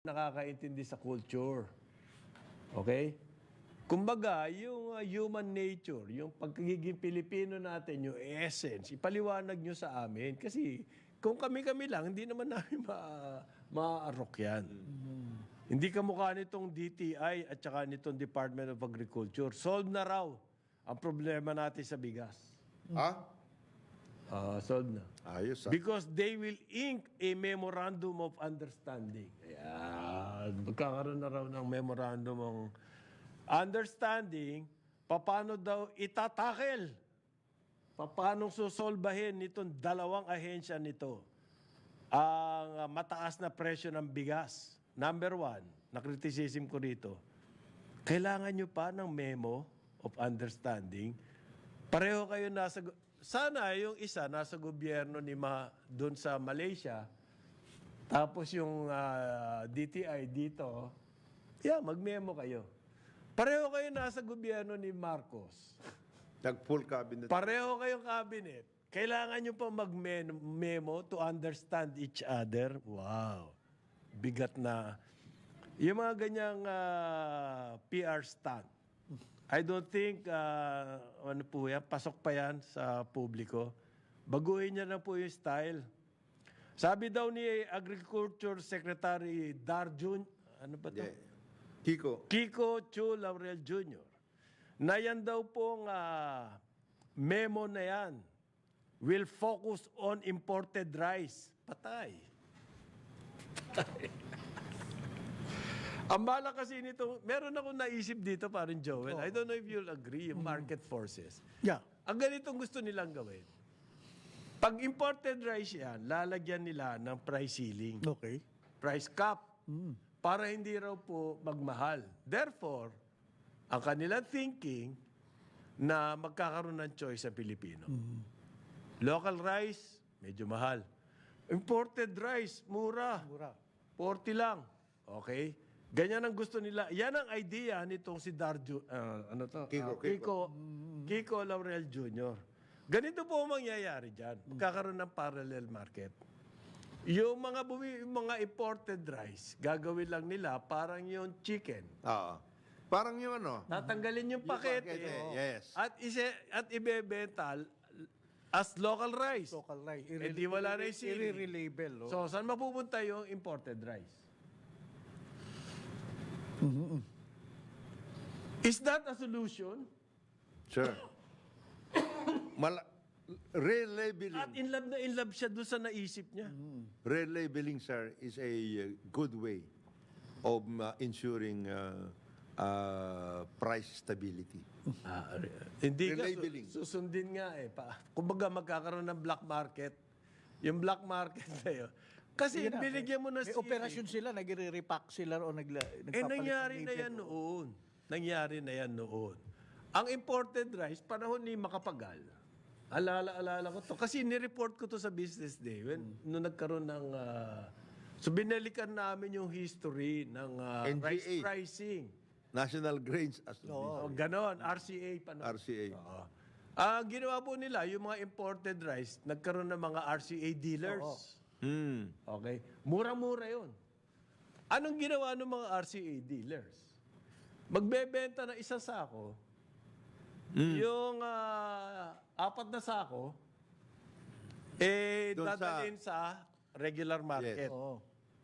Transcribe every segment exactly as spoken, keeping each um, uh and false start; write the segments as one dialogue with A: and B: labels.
A: nakakaintindi sa culture. Okay? Kumbaga, yung uh, human nature, yung pagkagiging Pilipino natin, yung essence, ipaliwanag nyo sa amin. Kasi kung kami-kami lang, hindi naman namin ma- maaarok yan. Mm-hmm. Hindi kamukha nitong D T I at saka nitong Department of Agriculture. Solve na raw ang problema natin sa bigas.
B: Ha?
A: Ah, solve na.
B: Ayos ah.
A: Because they will ink a memorandum of understanding. Ayan. Magkakaroon na raw ng memorandum of understanding, paano daw itatakel, paano susolbahin nitong dalawang ahensya nito ang uh, mataas na presyo ng bigas. Number one, na-criticism ko rito, kailangan nyo pa ng memo of understanding. Pareho kayo nasa... Sana yung isa nasa gobyerno ni Ma doon sa Malaysia, tapos yung uh, D T I dito, yeah, mag-memo kayo. Pareho kayo nasa gobyerno ni Marcos.
B: Nag-full cabinet.
A: Pareho kayong cabinet. Kailangan nyo pa mag-memo to understand each other. Wow. Bigat na. Yung mga ganyang uh, P R stunt. I don't think, uh, ano po yan, pasok pa yan sa publiko. Baguhin niya na po yung style. Sabi daw ni Agriculture Secretary Darjun, ano ba ito?
B: Yeah. Kiko.
A: Kiko Chu Laurel Junior Na yan daw pong uh, memo na yan will focus on imported rice. Patay. Ang bala kasi nito, meron akong naisip dito, parang Joel. Oh. I don't know if you'll agree, yung market forces.
C: Yeah.
A: Ang ganitong gusto nilang gawin. Pag imported rice yan, lalagyan nila ng price ceiling.
C: Okay.
A: Price cap. Mm. Para hindi raw po magmahal. Therefore, ang kanilang thinking na magkakaroon ng choice sa Pilipino. Mm. Local rice, medyo mahal. Imported rice, mura.
C: Mura.
A: forty lang. Okay? Ganyan ang gusto nila. Yan ang idea nitong si Darjo, uh, ano to?
B: Kiko,
A: Uh, Kiko, Kiko Laurel Junior Ganito po ang mangyayari dyan. Magkakaroon ng parallel market. Yung mga bumi, yung mga imported rice, gagawin lang nila parang yung chicken.
B: Oo. Parang yung ano.
A: Tatanggalin yung pakete.
B: pakete, yes.
A: At ise at ibebenta as local rice.
C: Local rice.
A: Eh, di wala na yung sili.
C: I-relabel. Oh.
A: So, saan mapupunta yung imported rice?
C: Mm-hmm.
A: Is that a solution?
B: Sure. Mal relabeling.
A: At in love na in love siya doon sa naisip niya.
B: Relabeling, sir, is a uh, good way of uh, ensuring uh, uh, price stability.
A: Ah, hindi ka,
B: Relabeling.
A: su- susundin nga eh. Pa, kumbaga magkakaroon ng black market. Yung black market na yun. Kasi
C: Sige na,
A: binigyan mo na
C: May
A: sili.
C: operasyon sila, nagre-repack sila o nagla,
A: Eh,
C: nagpapalit
A: nangyari
C: ng
A: na
C: label.
A: yan noon. Nangyari na yan noon. Ang imported rice, panahon ni Makapagal. Alala-alala ko to. Kasi nireport ko to sa Business Day. When,
C: Hmm.
A: Nung nagkaroon ng... ah, so, binalikan namin yung history ng ah,
B: N G A.
A: rice pricing.
B: National Grains Association.
A: Oh, ganon. R C A pa noon.
B: R C A.
A: Oo. Ah, ginawa po nila, yung mga imported rice, nagkaroon ng mga R C A dealers.
B: Hmm.
A: Okay? Mura-mura yun. Anong ginawa ng mga R C A dealers? Magbebenta ng isang sako, yung ah, apat na sako, eh,
B: Doon sa-
A: dadalhin sa regular market.
C: Oo.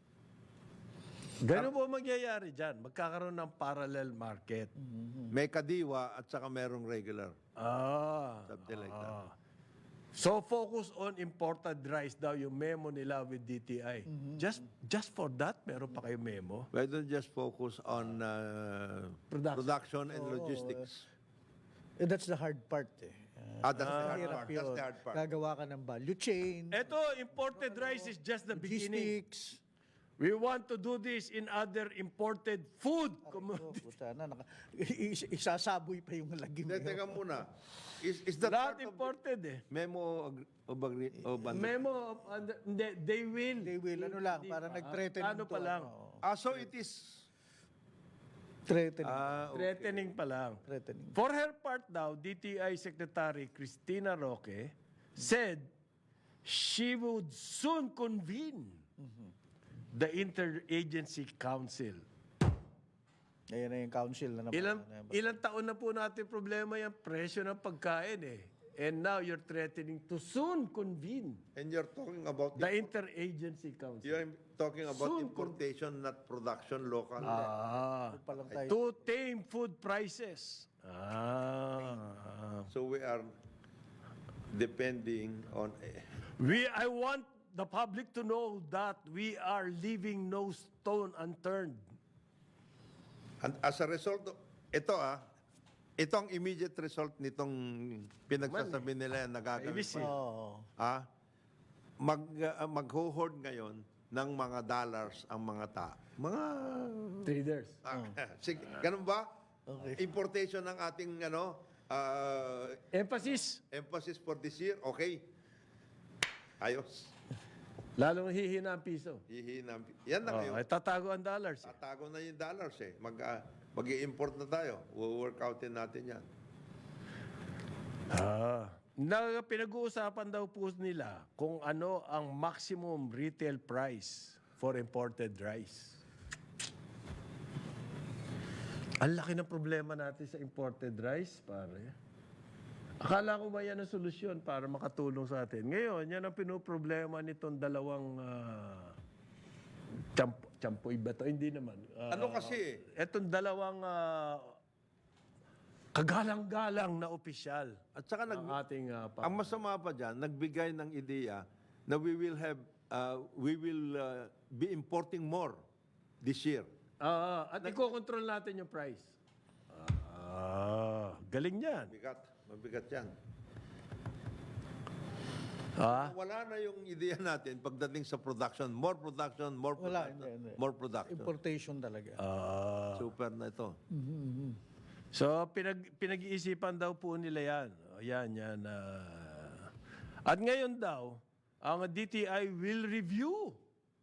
A: Ganun po mangyayari dyan. Magkakaroon ng parallel market.
B: May kadiwa at saka merong regular.
A: Ah.
B: Something like that.
A: ah. So focus on imported rice daw yung memo nila with D T I. Just just for that, meron pa kayo memo?
B: Why don't just focus on uh,
A: Production.
B: production and logistics?
C: Eh, that's the hard part eh.
B: Ah, that's the hard
C: Hirap
B: part. That's
C: yun.
B: the hard part.
C: Gagawa ka ng value chain,
A: Eto, imported rice is just the beginning.
C: logistics.
A: We want to do this in other imported food
C: Oh,
A: commodities.
C: puta na, naka, is- isasaboy pa yung lagim.
B: Hindi, teka muna. Is, is that
A: Lahat
B: part of the
A: imported eh.
B: memo of, of, agree- of under-
A: Memo of under, hindi, they will.
C: They will, ano lang,
A: Hindi
C: parang
A: pa.
C: nag-threaten
A: Ano
C: to,
A: pa lang.
C: ano,
B: Ah, so it is...
C: threatening.
B: Ah,
A: Threatening pa lang.
C: threatening.
A: For her part daw, D T I Secretary Cristina Roque said she would soon convene the Interagency Council.
C: Ayan na yung council na naman.
A: Ilang,
C: Ano ba?
A: ilang taon na po natin problema yung presyo ng pagkain eh. And now you're threatening to soon convene
B: And you're talking about
A: the Interagency Council.
B: you're talking about
A: Soon,
B: importation, not production, local.
A: Ah,
C: Pa lang tayo.
A: to tame food prices. Ah.
B: So we are depending on
A: We, I want the public to know that we are leaving no stone unturned.
B: and as a result of, ito ah, ito ang immediate result nitong pinagsasabi nila na gagawin
A: A B C.
B: pa.
C: Oo.
B: Ah, mag uh, mag-hoard ngayon ng mga dollars ang mga ta. Mga
A: Traders.
B: ah, sige, ganun ba?
C: Okay.
B: Importation ng ating ano ah,
A: Emphasis.
B: emphasis for this year, okay. Ayos.
A: Lalong hihina ang piso.
B: Hihinam. Yan na
A: Oh,
B: ngayon.
A: ay tatago ang dollars. eh.
B: Tatago na yung dollars eh. Mag, ah, mag-i-import na tayo. We'll work outin natin yan.
A: Ah. Na pinag-uusapan daw po nila kung ano ang maximum retail price for imported rice. Ang laki ng problema natin sa imported rice, pare. Akala ko ba yan ang solusyon para makatulong sa atin? Ngayon, yan ang pinoproblema nitong dalawang uh, champo, champoy ba to? Hindi naman. Ah,
B: Ano kasi?
A: Etong dalawang ah, kagalang-galang na opisyal
B: At saka nag,
A: ng ating ah, pa-
B: ang masama pa dyan, nagbigay ng ideya na we will have, uh, we will uh, be importing more this year.
A: Ah, at iko-control natin yung price. Ah, galing yan.
B: Mabigat. Mabigat yan.
A: Ah,
B: Wala na yung ideya natin pagdating sa production. More production, more
C: Wala,
B: production,
C: hindi, hindi.
B: more production.
C: Importation talaga.
A: ah.
B: Super na ito.
A: So, pinag, pinag-iisipan daw po nila yan. O, yan, yan. ah. At ngayon daw, ang D T I will review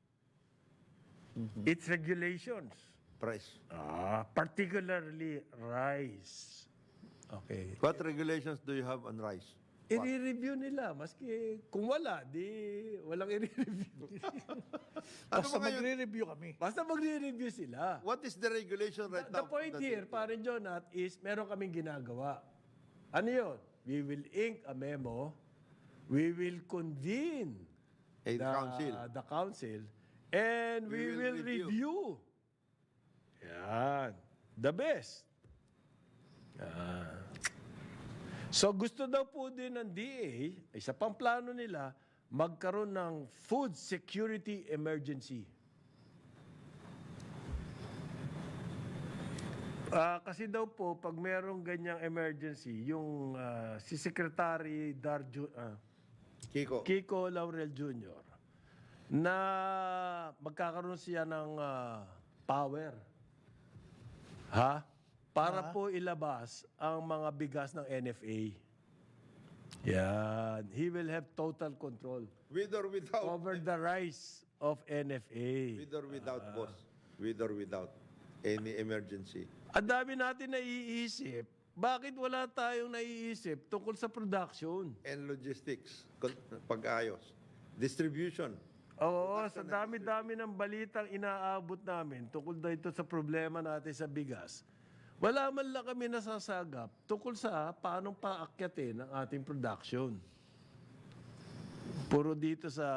A: its regulations.
B: Price.
A: Ah, particularly rice. Okay.
B: What regulations do you have on rice?
A: I-review nila. Maski kung wala, di walang i-review.
B: Ano
C: Basta
B: ba ngayon?
C: magre-review kami.
A: Basta magre-review sila.
B: What is the regulation right
A: The
B: now?
A: point
B: that-
A: here, parin Jonat, is meron kaming ginagawa. Ano yun? We will ink a memo. We will convene
B: A
A: the
B: council.
A: the council, and we,
B: We
A: will,
B: will
A: review. Yan. The best. Yan. So gusto daw po din ng D A, isa pang plano nila, magkaroon ng food security emergency. Ah, kasi daw po, pag merong ganyang emergency, yung ah, si Secretary Darjo, ah,
B: Kiko.
A: Kiko Laurel Junior, na magkakaroon siya ng ah, power. Ha? Para po ilabas ang mga bigas ng N F A. Yan. He will have total control
B: With or without.
A: over the rice of N F A.
B: With or without, boss. With or without any emergency.
A: Ang dami natin naiisip. Bakit wala tayong naiisip tungkol sa production?
B: And logistics. Kon- Pag-ayos. Distribution.
A: Oo, sa dami-dami ng balitang inaabot namin tungkol dito sa problema natin sa bigas. Wala man lang kami nasasagap tungkol sa paanong paakyatin ang ating production. Puro dito sa...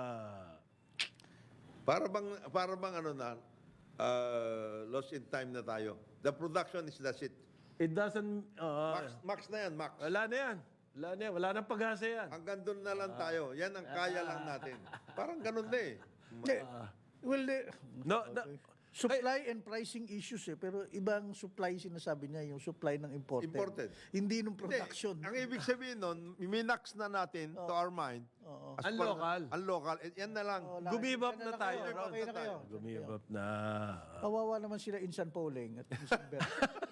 B: Para bang, para bang ano na, uh, lost in time na tayo. The production is that's it.
A: It doesn't... uh,
B: Max, max na yan, max.
A: wala na yan. Wala na yan. Wala nang pag-asa yan.
B: Hanggang doon na lang tayo. Yan ang kaya lang natin. Parang ganun na eh.
C: Hindi. Well, eh,
A: No, no,
C: supply and pricing issues eh. Pero ibang supply sinasabi niya, yung supply ng imported.
B: Imported.
C: Hindi nung
B: Hindi,
C: production.
B: ang ibig sabihin nun, minax na natin to our mind.
C: Oo.
B: as
A: Ang
B: part-
A: local.
B: Ang local. Eh, yan na lang.
C: Oh, lahat.
A: gumibap
C: Yan
A: na
C: lang
A: tayo.
C: kayo.
A: Ron.
C: Okay na kayo.
A: Gumibap na.
C: Kawawa naman sila Insan Pauling at Insan Ber.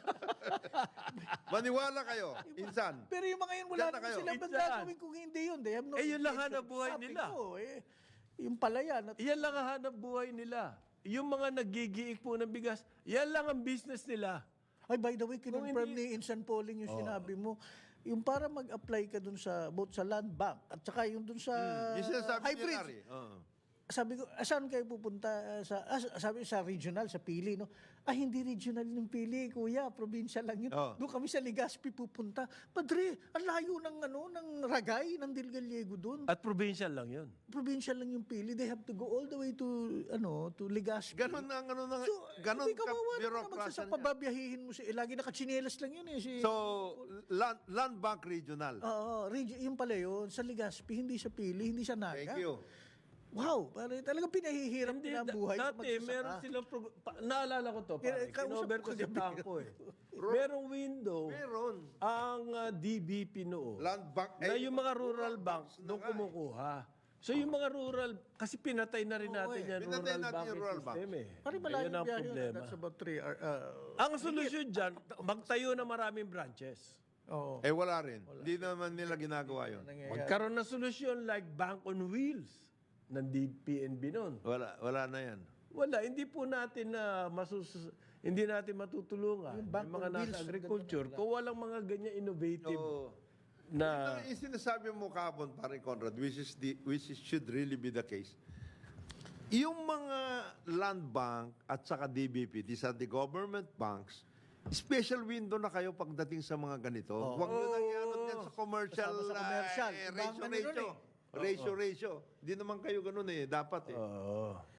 B: Maniwala kayo. Insan.
C: Pero yung mga yun, wala
B: Diyan na
C: naman
B: kayo.
C: sila. Ba't
A: Insan.
C: gagawin kung hindi yun? They have no
A: Eh, yun lang
C: intention.
A: hanap buhay
C: Sabi
A: nila.
C: ko, eh, yung palayan. At,
A: Yan lang ang hanap buhay nila. Yung mga nagigiik po ng bigas, yan lang ang business nila.
C: ay, by the way, kinonfirm
A: hindi-
C: ni Insan Pauling yung sinabi mo. Yung para mag-apply ka dun sa, both sa land bank at saka yung dun sa
B: Yung sinasabi ni
C: hybrid.
B: Larry. Oo.
C: sabi ko, "Ah, saan kayo pupunta? Ah, Sa, ah, sabi sa regional, sa Pili, no? Ah, hindi regional yung Pili, kuya. Probinsya lang yun.
B: Oh.
C: Doon kami sa Legazpi pupunta. Padre, ang layo ng, ano, ng Ragay, ng Del Gallego doon.
A: At provincial lang yun.
C: Probinsya lang yung Pili. They have to go all the way to, ano, to Legazpi.
B: Ganon ang ano na,
C: So,
B: ganon
C: hindi
B: ka
C: kawawa naman naman
B: bureaucracy
C: sa pababiyahihin mo si, eh, lagi nakachinelas lang yun eh. Si,
B: So, land, land bank regional.
C: Oo, regi- yung pala yun, sa Legazpi, hindi sa Pili, hindi sa Naga.
B: Thank you.
C: Wow, parang talagang pinahihirap
A: Hindi,
C: na
A: da-
C: buhay sa
A: dati
C: magsasaka.
A: meron silang, prog- pa- naalala ko to,
C: Kaya,
A: pare,
C: kausap
A: kinover
C: ko
A: ko si
C: kagabi.
A: Tangko eh. Merong window,
B: Meron.
A: ang uh, D B P noon,
B: Land bank.
A: na
B: eh,
A: yung mga rural banks
B: na
A: doon
B: nga eh.
A: kumukuha. So yung mga rural, kasi pinatay na rin natin
C: eh.
A: yan,
B: Pinatay
A: rural
B: natin
A: banking
B: yung rural bank.
A: system eh.
C: Parang malayo
A: Ayun ang
C: biyahe yun.
A: problema.
C: That's about three hours. Uh,
A: Ang solusyon dyan, magtayo ng maraming branches.
C: Oo.
B: Eh, wala rin. Hindi naman nila ginagawa yun.
A: Magkaroon ng solusyon like Bank on Wheels ng D P N B noon.
B: Wala, wala na yan.
A: Wala, hindi po natin na masus hindi natin matutulungan yung,
C: Bank
A: mga
C: on
A: nasa
C: Wheels,
A: agriculture kung walang mga ganyan innovative
B: So,
A: na
B: Ito, yung sinasabi mo kahapon, pare Conrad, which is the, which is, should really be the case. Yung mga land bank at saka D B P, these are the government banks, special window na kayo pagdating sa mga ganito. Huwag nyo nang ianod yan sa commercial,
C: Kasama sa
B: ah,
C: commercial.
B: eh,
C: Ibang
B: ratio,
C: ano
B: ratio.
C: nun
B: Ratio, ratio. Hindi naman kayo ganun eh. Dapat eh.
A: Oo.